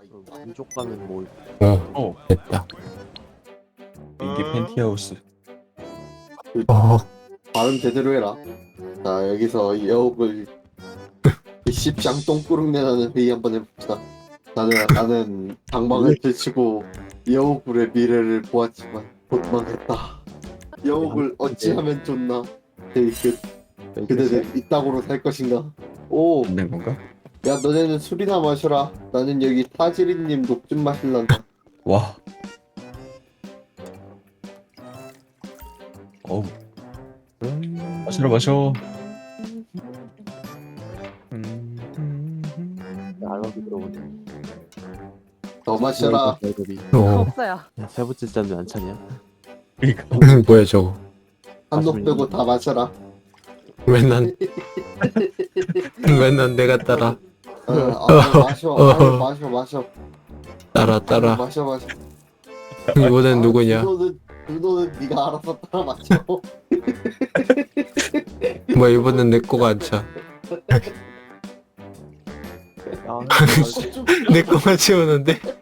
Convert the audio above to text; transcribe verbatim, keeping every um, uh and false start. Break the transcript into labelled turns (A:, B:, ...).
A: 민족 가면 뭐
B: 어,
C: 어,
B: 됐다.
C: 이게 팬티하우스.
B: 어,
D: 발음 제대로 해라. 자, 여기서 여옥을 십장 똥꾸릉 내라는 회의 한번 해봅시다. 나는 나는 방망을 펼치고 여옥의 미래를 보았지만 곧 망했다. 여옥을 어찌하면 좋나? 회의 끝. 그대는 이따구로 살 것인가? 오,
C: 안 된 건가?
D: 야 너네는 술이나 마셔라. 나는 여기 타지리님 녹 좀 마실란다.
C: 와. 어우, 마셔라 마셔.
A: 알바비 들어보네.
D: 더 마셔라.
A: 월급이.
B: 어,
E: 없어요.
A: 야, 세 번째 잔도 안 차냐?
C: 그러니까
B: 뭐야 저거?
D: 한 녹 빼고 다 마셔라.
B: 왜 난, 왜 난 내가 따라,
D: 어, 아, 마셔, 아유, 마셔, 마셔.
B: 따라, 따라.
D: 마셔, 마셔.
B: 이번엔 누구냐?
D: 준호는 준호는 네가 알아서 따라 마셔.
B: 뭐 이번엔 내 거가 안 차.
A: 야,
D: 좀
B: 내 거만 채우는데?